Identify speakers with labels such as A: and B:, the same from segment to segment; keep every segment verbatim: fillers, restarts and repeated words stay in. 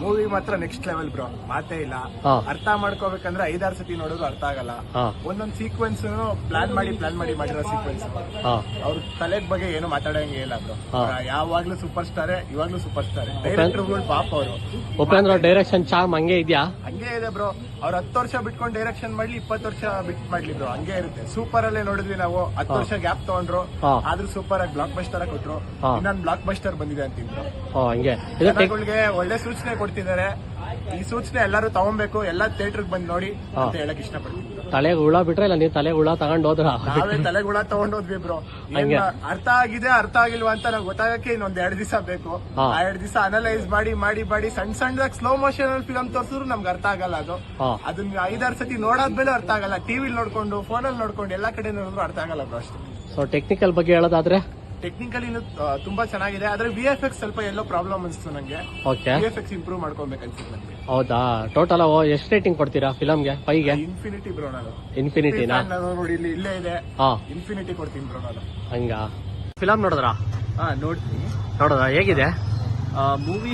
A: Movie ಮಾತ್ರ next level bro, ಮಾತೇ ಇಲ್ಲ.
B: ಹಾ.
A: ಅರ್ಥ ಮಾಡ್ಕೋಬೇಕಂದ್ರೆ ಐದಾರು ಸತಿ ನೋಡೋದು ಅರ್ಥ ಆಗಲ್ಲ.
B: ಹಾ.
A: ಒಂದೊಂದ್ ಸೀಕ್ವೆನ್ಸ್ ಪ್ಲಾನ್ ಮಾಡಿ ಪ್ಲಾನ್ ಮಾಡಿ ಮಾಡಿರೋ ಸೀಕ್ವೆನ್ಸ್.
B: ಹಾ.
A: ಅವ್ರ ತಲೆಗ್ ಬಗ್ಗೆ ಏನು ಮಾತಾಡಂಗೆ ಇಲ್ಲ ಬ್ರೋ.
B: ಹಾ.
A: ಯಾವಾಗ್ಲೂ ಸೂಪರ್ ಸ್ಟಾರೇ, ಇವಾಗ್ಲೂ ಸೂಪರ್ ಸ್ಟಾರೇ. ಡೈರೆಕ್ಟರ್ಗಳು ಪಾಪ ಅವರು.
B: ಉಪೇಂದ್ರ ಡೈರೆಕ್ಷನ್ ಚಾಮ್ ಹಂಗೆ ಇದೆಯಾ?
A: ಹಂಗೆ ಇದೆ ಬ್ರೋ. ಅವ್ರ ಹತ್ತು ವರ್ಷ ಬಿಟ್ಕೊಂಡು ಡೈರೆಕ್ಷನ್ ಮಾಡ್ಲಿ, ಇಪ್ಪತ್ತು ವರ್ಷ ಬಿಟ್ ಮಾಡ್ಲಿ ಬ್ರೋ, ಹಂಗೆ ಇರುತ್ತೆ. ಸೂಪರ್ ಅಲ್ಲೇ ನೋಡಿದ್ವಿ ನಾವು, ಹತ್ತು ವರ್ಷ ಗ್ಯಾಪ್ ತಗೊಂಡ್ರು,
B: ಹಾ.
A: ಆದ್ರೂ ಸೂಪರ್ ಆಗಿ ಬ್ಲಾಕ್ ಬಸ್ಟರ್ ಕೊಟ್ರು.
B: ಹಾ.
A: ಇನ್ನೊಂದು ಬ್ಲಾಕ್ ಬಸ್ಟರ್ ಬಂದಿದೆ ಅಂತಿದ್ರು.
B: ಓ ಹಂಗೆ ಇದು ಟೆಕ್-
A: ಜನಗಳಿಗೆ ಒಳ್ಳೆ ಸೂಚನೆ ಕೊಡ್ತಿದ್ದಾರೆ. ಈ ಸೂಚನೆ ಎಲ್ಲರೂ ತಗೊಂಬೇಕು, ಎಲ್ಲಾ ಥಿಯೇಟರ್ ಬಂದ್ ನೋಡಿ ಅಂತ ಹೇಳಕ್ ಇಷ್ಟಪಡ್ತೀನಿ.
B: ತಲೆಗೆ ಹುಳ ಬಿಟ್ರೆ ಇಲ್ಲ ನೀವು ತಲೆಗೆ ಹುಳ ತಗೊಂಡ್ ಹೋದ್ರ?
A: ನಾವೇ ತಲೆಗುಳ ತಗೊಂಡೋದ್ವಿ ಬ್ರೋ.
B: ಹಂಗೆ.
A: ಅರ್ಥ ಆಗಿದೆ ಅರ್ಥ ಆಗಿಲ್ವಾ ಅಂತ ನಾವು ಗೊತ್ತಾಗಕ್ಕೆ ಇನ್ನೊಂದ್ ಎರಡ್ ದಿವಸ ಬೇಕು.
B: ಹಾ.
A: ಆ ಎರಡ್ ದಿವಸ ಅನಲೈಸ್ ಮಾಡಿ ಮಾಡಿ ಮಾಡಿ ಸಣ್ಣ ಸಣ್ಣದಾಗ ಸ್ಲೋ ಮೋಷನ್ ಅಲ್ಲಿ ಫಿಲಂ ತೋರ್ಸಿದ್ರು ನಮ್ಗೆ ಅರ್ಥ ಆಗಲ್ಲ. ಅದು
B: ಹಾ.
A: ಅದನ್ನ ಐದಾರು ಸತಿ ನೋಡಾದ್ಮೇಲೆ ಅರ್ಥ ಆಗಲ್ಲ. ಟಿವಿಲಿ ನೋಡ್ಕೊಂಡು ಫೋನಲ್ಲಿ ನೋಡ್ಕೊಂಡು ಎಲ್ಲಾ ಕಡೆ ನೋಡಿದ್ರು ಅರ್ಥ ಆಗಲ್ಲ ಬ್ರೋ ಅಷ್ಟೇ.
B: ಸೊ ಟೆಕ್ನಿಕಲ್ ಬಗ್ಗೆ ಹೇಳೋದಾದ್ರೆ
A: ಟೆಕ್ನಿಕಲಿ ತುಂಬಾ ಚೆನ್ನಾಗಿದೆ, ಆದ್ರೆ ವಿ ಎಫ್ ಎಕ್ಸ್ ಸ್ವಲ್ಪ ಎಲ್ಲೋ ಪ್ರಾಬ್ಲಮ್ ಅನ್ಸ್ತು ನಂಗೆ.
B: Okay.
A: V F X improve ಮಾಡ್ಕೊಬೇಕು ಅನ್ಸುತ್ತೆ ನಂಗೆ.
B: ಹೌದಾ? ಟೋಟಲ್ ಎಷ್ಟು ರೇಟಿಂಗ್ ಕೊಡ್ತೀರಾ ಫಿಲಮ್ಗೆ? ಫೈವ್ಗೆ
A: ಇನ್ಫಿನಿಟಿ ಬ್ರೋ. ನಾನು
B: ಇನ್ಫಿನಿಟಿನಾ?
A: ನಾನು ನೋಡಿ ಇಲ್ಲಿ ಇಲ್ಲೇ ಇದೆ,
B: ಹಾ.
A: ಇನ್ಫಿನಿಟಿ ಕೊಡ್ತೀನಿ ಬ್ರೋ ನಾನು.
B: ಹಂಗ ಫಿಲಮ್ ನೋಡಿದ್ರ?
C: ಹಾ ನೋಡ್ತೀನಿ.
B: ನೋಡಿದ್ರ ಹೇಗಿದೆ
C: ಮೂವಿ?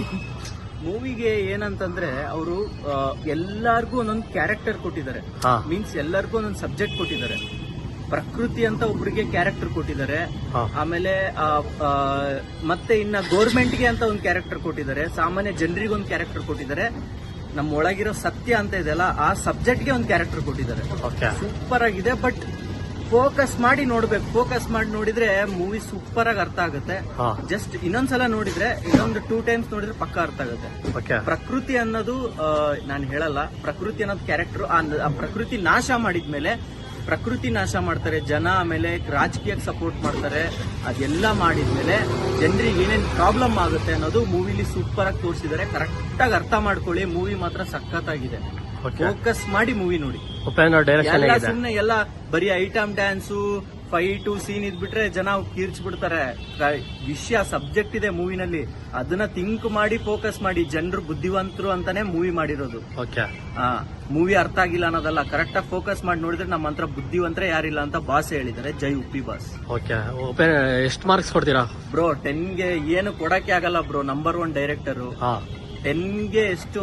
C: ಮೂವಿಗೆ ಏನಂತಂದ್ರೆ ಅವರು ಎಲ್ಲಾರ್ಗೂ ಒಂದೊಂದು ಕ್ಯಾರೆಕ್ಟರ್ ಕೊಟ್ಟಿದ್ದಾರೆ.
B: ಹಾ.
C: ಮೀನ್ಸ್ ಎಲ್ಲರಿಗೂ ಒಂದೊಂದು ಸಬ್ಜೆಕ್ಟ್ ಕೊಟ್ಟಿದ್ದಾರೆ. ಪ್ರಕೃತಿ ಅಂತ ಒಬ್ರಿಗೆ ಕ್ಯಾರೆಕ್ಟರ್ ಕೊಟ್ಟಿದ್ದಾರೆ.
B: ಹಾ.
C: ಆಮೇಲೆ ಆ, ಆ, ಮತ್ತೆ ಇನ್ನ ಗೋರ್ಮೆಂಟ್ಗೆ ಅಂತ ಒಂದು ಕ್ಯಾರೆಕ್ಟರ್ ಕೊಟ್ಟಿದ್ದಾರೆ. ಸಾಮಾನ್ಯ ಜನರಿಗೆ ಒಂದು ಕ್ಯಾರೆಕ್ಟರ್ ಕೊಟ್ಟಿದ್ದಾರೆ. ನಮ್ಮ ಒಳಗಿರೋ ಸತ್ಯ ಅಂತ ಇದೆಯಲ್ಲ, ಆ ಸಬ್ಜೆಕ್ಟ್ಗೆ ಒಂದು ಕ್ಯಾರೆಕ್ಟರ್ ಕೊಟ್ಟಿದ್ದಾರೆ.
B: ಓಕೆ.
C: ಸೂಪರ್ ಆಗಿದೆ. ಬಟ್ ಫೋಕಸ್ ಮಾಡಿ ನೋಡ್ಬೇಕು. ಫೋಕಸ್ ಮಾಡಿ ನೋಡಿದ್ರೆ ಮೂವಿ ಸೂಪರ್ ಆಗಿ ಅರ್ಥ ಆಗುತ್ತೆ.
B: ಹಾ.
C: ಜಸ್ಟ್ ಇನ್ನೊಂದ್ಸಲ ನೋಡಿದ್ರೆ, ಇನ್ನೊಂದು ಟೂ ಟೈಮ್ಸ್ ನೋಡಿದ್ರೆ ಪಕ್ಕ ಅರ್ಥ ಆಗುತ್ತೆ.
B: ಓಕೆ.
C: ಪ್ರಕೃತಿ ಅನ್ನೋದು ನಾನು ಹೇಳಲ್ಲ, ಪ್ರಕೃತಿ ಅನ್ನೋದು ಕ್ಯಾರೆಕ್ಟರ್. ಆ ಪ್ರಕೃತಿ ನಾಶ ಮಾಡಿದ್ಮೇಲೆ ಪ್ರಕೃತಿ ನಾಶ ಮಾಡ್ತಾರೆ ಜನ, ಆಮೇಲೆ ರಾಜಕೀಯಕ್ಕೆ ಸಪೋರ್ಟ್ ಮಾಡ್ತಾರೆ. ಅದೆಲ್ಲ ಮಾಡಿದ್ಮೇಲೆ ಜನರಿಗೆ ಏನೇನ್ ಪ್ರಾಬ್ಲಮ್ ಆಗುತ್ತೆ ಅನ್ನೋದು ಮೂವಿಲಿ ಸೂಪರ್ ಆಗಿ ತೋರಿಸಿದ್ದಾರೆ. ಕರೆಕ್ಟ್ ಆಗಿ ಅರ್ಥ ಮಾಡ್ಕೊಳ್ಳಿ. ಮೂವಿ ಮಾತ್ರ ಸಖತ್ತಾಗಿದೆ.
B: ಓಕೆ.
C: ಫೋಕಸ್ ಮಾಡಿ ಮೂವಿ ನೋಡಿ.
B: ಉಪೇಂದ್ರ ಡೈರೆಕ್ಷನ್
C: ಎಲ್ಲ
B: ಹೇಗಿದೆ?
C: ಸುಮ್ನೆ ಎಲ್ಲ ಬರೀ ಐಟಮ್ ಡ್ಯಾನ್ಸು, ಫೈಟು ಸೀನ್ ಇದ್ಬಿಟ್ರೆ ಜನ ಕೀರ್ಚ್ ಬಿಡ್ತಾರೆ. ವಿಷಯ ಸಬ್ಜೆಕ್ಟ್ ಇದೆ ಮೂವಿನಲ್ಲಿ, ಅದನ್ನ ಥಿಂಕ್ ಮಾಡಿ ಫೋಕಸ್ ಮಾಡಿ. ಜನರು ಬುದ್ಧಿವಂತರು ಅಂತಾನೆ ಮೂವಿ ಮಾಡಿರೋದು.
B: ಓಕೆ.
C: ಆ ಮೂವಿ ಅರ್ಥ ಆಗಿಲ್ಲ ಅನ್ನೋದಲ್ಲ, ಕರೆಕ್ಟ್ ಆಗಿ ಫೋಕಸ್ ಮಾಡಿ ನೋಡಿದ್ರೆ ನಮ್ಮ ಹತ್ರ ಬುದ್ಧಿವಂತರೇ ಯಾರಿಲ್ಲ ಅಂತ ಬಾಸ್ ಹೇಳಿದ್ದಾರೆ. ಜೈ ಉಪ್ಪಿ ಬಾಸ್.
B: ಓಕೆ. ಉಪೇಂದ್ರ ಎಷ್ಟು ಮಾರ್ಕ್ಸ್ ಕೊಡ್ತೀರಾ?
C: ಬ್ರೋ ಟೆನ್ಗೆ ಏನು ಕೊಡಕ್ಕೆ ಆಗಲ್ಲ ಬ್ರೋ. Number one director.
B: ಹಾ.
C: ಟೆನ್ಗೆ ಎಷ್ಟು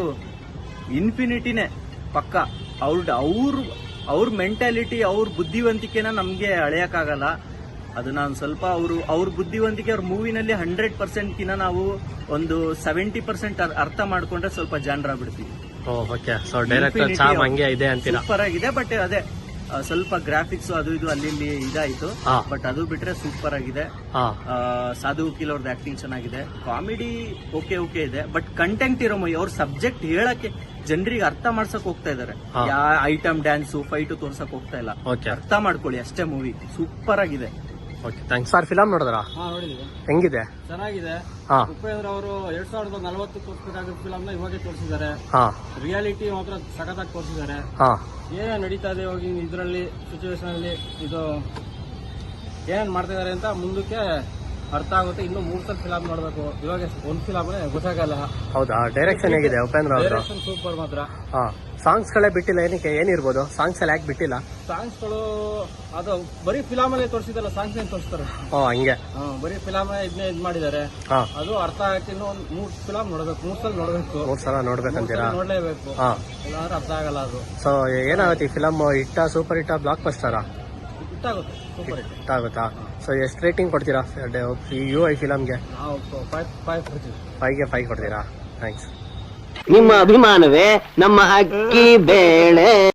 C: ಇನ್ಫಿನಿಟಿನೇ ಪಕ್ಕ. ಅವ್ರ ಅವ್ರ ಅವ್ರ ಮೆಂಟಾಲಿಟಿ, ಅವ್ರ ಬುದ್ಧಿವಂತಿಕೆನ ನಮ್ಗೆ ಅಳೆಯಕ್ಕಾಗಲ್ಲ. ಅದು ನಾನು ಸ್ವಲ್ಪ ಅವರು ಅವ್ರ ಬುದ್ಧಿವಂತಿಕೆ ಅವ್ರ ಮೂವಿನಲ್ಲಿ ಹಂಡ್ರೆಡ್ ಪರ್ಸೆಂಟ್ ಕಿನ್ನ ನಾವು ಒಂದು ಸೆವೆಂಟಿ ಪರ್ಸೆಂಟ್ ಅರ್ಥ ಮಾಡ್ಕೊಂಡ್ರೆ ಸ್ವಲ್ಪ ಜನರ ಬಿಡ್ತೀವಿ.
B: ಓಕೆ. ಸೊ ಡೈರೆಕ್ಟರ್ ಚಾಮ್ ಹಂಗೆ ಇದೆ ಅಂತೀರಾ?
C: ಸೂಪರ್ ಆಗಿದೆ. ಬಟ್ ಅದೇ ಆ, ಸ್ವಲ್ಪ ಗ್ರಾಫಿಕ್ಸ್ ಅದು ಇದು ಅಲ್ಲಿ ಇಲ್ಲಿ ಇದಾಯ್ತು.
B: ಹಾ.
C: ಬಟ್ ಅದು ಬಿಟ್ರೆ ಸೂಪರ್ ಆಗಿದೆ.
B: ಹಾ.
C: ಆ, ಸಾಧು ವಕೀಲ್ ಅವ್ರದ್ದು ಆಕ್ಟಿಂಗ್ ಚೆನ್ನಾಗಿದೆ. ಕಾಮಿಡಿ ಓಕೆ ಓಕೆ ಇದೆ. ಬಟ್ ಕಂಟೆಂಟ್ ಇರೋ ಮೂವಿ. ಅವ್ರ ಸಬ್ಜೆಕ್ಟ್ ಹೇಳಕ್ಕೆ ಜನರಿಗೆ ಅರ್ಥ ಮಾಡ್ಸಕ್ ಹೋಗ್ತಾ ಇದಾರೆ.
B: ಹಾ.
C: ಯಾ ಐಟಮ್ ಡ್ಯಾನ್ಸು ಫೈಟು ತೋರ್ಸಕ್ ಹೋಗ್ತಾ ಇಲ್ಲ.
B: ಓಕೆ.
C: ಅರ್ಥ ಮಾಡ್ಕೊಳ್ಳಿ ಅಷ್ಟೇ. ಮೂವಿ ಸೂಪರ್ ಆಗಿದೆ.
B: ಓಕೆ. Thanks sir. ಫಿಲಮ್ ನೋಡಿದ್ರ?
D: ಹಾ ನೋಡಿದೀವಿ,
B: ಹೆಂಗಿದೆ?
D: ಚೆನ್ನಾಗಿದೆ.
B: ಹಾ.
D: ಉಪೇಂದ್ರ ಅವರು ಎರಡ್ ಸಾವಿರದ ನಲವತ್ತು ತೋರಿಸಬೇಕಾದ ಫಿಲಮ್ ನ ಇವಾಗೆ ತೋರಿಸಿದ್ದಾರೆ.
B: ಹಾ.
D: ರಿಯಾಲಿಟಿ ಮಾತ್ರ ಸಖತ್ತಾಗಿ ತೋರಿಸಿದ್ದಾರೆ.
B: ಹಾ.
D: ಏನೇನ್ ನಡೀತಾ ಇದೆ ಇವಾಗ ಇದರಲ್ಲಿ ಸಿಚುವೇಶನ್ ಅಲ್ಲಿ, ಇದು ಏನೇನ್ ಮಾಡ್ತಾ ಇದಾರೆ ಅಂತ ಮುಂದಕ್ಕೆ ಅರ್ಥ ಆಗುತ್ತೆ. ಇನ್ನು ಮೂರ್ ಸಲ ಫಿಲಮ್ ನೋಡ್ಬೇಕು. ಇವಾಗ ಒಂದ್ ಫಿಲಮ್ ಗೊತ್ತಾಗಲ್ಲ.
B: ಹೌದಾ? ಡೈರೆಕ್ಷನ್ ಹೇಗಿದೆ ಉಪೇಂದ್ರ ಅವರು?
D: ಡೈರೆಕ್ಷನ್ ಸೂಪರ್ ಮಾತ್ರ.
B: ಹಾ. ಸಾಂಗ್ಸ್ ಗಳೇ ಬಿಟ್ಟಿಲ್ಲ, ಏನಕ್ಕೆ? ಏನಿರ್ಬೋದು ಸಾಂಗ್ಸ್ ಎಲ್ಲ ಯಾಕೆ ಬಿಟ್ಟಿಲ್ಲ?
D: ಸಾಂಗ್ಸ್ ಗಳು ಅದು ಬರೀ ಫಿಲಮ್ ಅಲ್ಲಿ ತೋರಿಸಿದಲ್ಲ, ಸಾಂಗ್ಸ್ ಏನ್ ತೋರಿಸ್ತಾರೆ.
B: ಓ ಹಂಗೆ.
D: ಹಾ, ಬರೀ ಫಿಲಮ್ ಇದನ್ನೇ ಇದ್ ಮಾಡಿದ್ದಾರೆ.
B: ಹಾ.
D: ಅದು ಅರ್ಥ ಆಗಕ್ಕೆ ಇನ್ನು ಒಂದ್ ಮೂರ್ ಫಿಲಮ್ ನೋಡ್ಬೇಕು, ಮೂರ್ ಸಲ ನೋಡ್ಬೇಕು,
B: ಮೂರ್ ಸಲ ನೋಡ್ಬೇಕಂತೀರಾ?
D: ನೋಡ್ಲೇಬೇಕು.
B: ಹಾ.
D: ಇಲ್ಲಾಂದ್ರೆ ಅರ್ಥ ಆಗಲ್ಲ. ಅದು
B: ಸೊ ಏನಾಗುತ್ತೆ ಈ ಫಿಲಮ್? ಹಿಟ್ಟ, ಸೂಪರ್ ಹಿಟ್ಟ, ಬ್ಲಾಕ್ ಬಸ್ಟರಾ?
D: ಇಟ್ಟಾಗುತ್ತೆ, ಸೂಪರ್ ಹಿಟ್.
B: ಹಿಟ್ ಆಗುತ್ತಾ? ಸೊ ಎಷ್ಟು ರೇಟಿಂಗ್ ಕೊಡ್ತೀರಾ ಯು ಐ ಫಿಲಮ್ಗೆ?
D: ನಾವು ಫೈವ್ ಫೈವ್ ಕೊಡ್ತೀವಿ.
B: ಫೈವ್ಗೆ ಫೈವ್ ಕೊಡ್ತೀರಾ? ಥ್ಯಾಂಕ್ಸ್.
E: ನಿಮ್ಮ ಅಭಿಮಾನವೇ ನಮ್ಮ ಅಕ್ಕಿ ಬೇಳೆ.